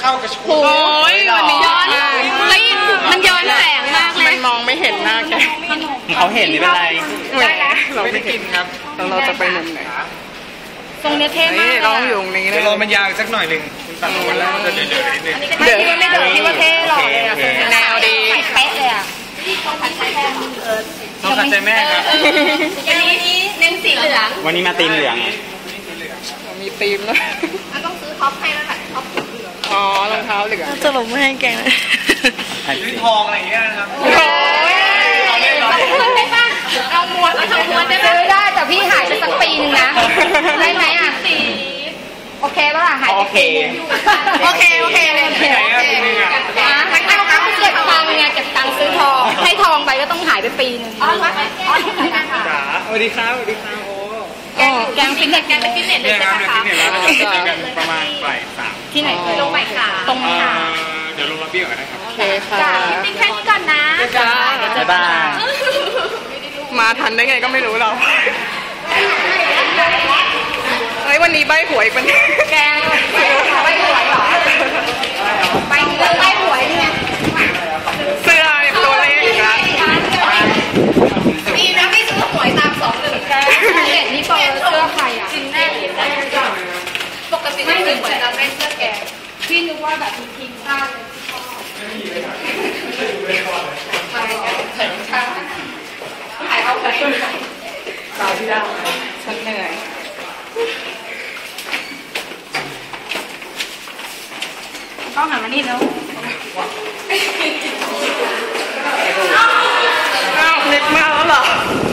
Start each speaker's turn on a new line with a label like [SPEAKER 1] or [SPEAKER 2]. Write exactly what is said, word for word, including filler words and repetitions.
[SPEAKER 1] เข้ากระชุบ
[SPEAKER 2] โอ้ยวันนี้ย้อนแล้วมันย้อนแสงมากเลยมันมองไม่เห็นหน้าแก
[SPEAKER 3] เขาเห็นไม่เป็นไร
[SPEAKER 1] เราไม่ได้กินครับ
[SPEAKER 2] เราจะไปมุมไหนตรงนี้เท่มากเราอยู่ตรงนี้เลย
[SPEAKER 1] รอมันยาวสักหน่อยหนึ่งตัดวันแล้วจะเดือดเดือดนิดนึง
[SPEAKER 2] เดือดไม่เดือดที่ว่าเท่หรอกแนวดีเป๊ะเลยอ่ะต้องขัดใจแม่
[SPEAKER 1] ต้องขัดใจแม่ครับ
[SPEAKER 2] วันนี้เน้นสีเหลือง
[SPEAKER 3] วันนี้มาตีมเหลือง
[SPEAKER 2] มีตีมแล้วมันต้องซื้อท็อปให้แล้วค่ะท็อปเหลืองอ๋อรองเท้าเหลืองจะหลงไม่ให้แกเลย
[SPEAKER 1] ซื้อทองอะไรอย่างเงี้ยนะครับ
[SPEAKER 2] โอ้ยเอาได้ป่ะเอาม้วนเอาทำม้วนได้ซื้อได้แต่พี่หายไปสักปีนึงนะได้ไหมอ่ะสีโอเคป่ะล่ะหาย
[SPEAKER 3] โอเค
[SPEAKER 2] โอเคโอเคเลยโอเคทั้งเอาทั้งเก็บตังค์ไงเก็บตังค์ซื้อทองให้ทองไปก็ต้องหายไปปีนึงอ๋อ
[SPEAKER 1] จ๋าสวัสดีครับสวัสดีครับโอ้
[SPEAKER 2] แกงฟิตเนสแกงฟิตเนสเลยใช่ไหมคะ
[SPEAKER 1] ฟิตเนสแล้วเราจะเจอกันประมาณบ่ายสาม
[SPEAKER 2] ที่ไหนลงบ่ายสามตรงนี้ค่ะ
[SPEAKER 1] เดี๋ยวลงระเบียบกันนะครับ
[SPEAKER 2] โอเคค่ะติ๊กแค่นี้ก่อนนะ
[SPEAKER 3] จ้าบ๊ายบาย
[SPEAKER 2] มาทันได้ไงก็ไม่รู้เราเฮ้ยวันนี้ใบหวยเป็นแกงใบหวยเหรอใบใบหวยเนี่ยเสื้อตัวเลขนะดีนะไม่ซื้อหวยตามสองหนึ่งแกเห็นนี่เปิดเสื้อใครอ่ะกินแน่กินแน่ปกติไม่ซื้อหวยเราได้เสื้อแกพี่นึกว่าแบบมีทีมชาติเลยถ่ายเอาไปสาวที่ดาวฉันเหนื่อยต้องหันมานี่แล้วอ้าวเล็กมากแล้วเหรอ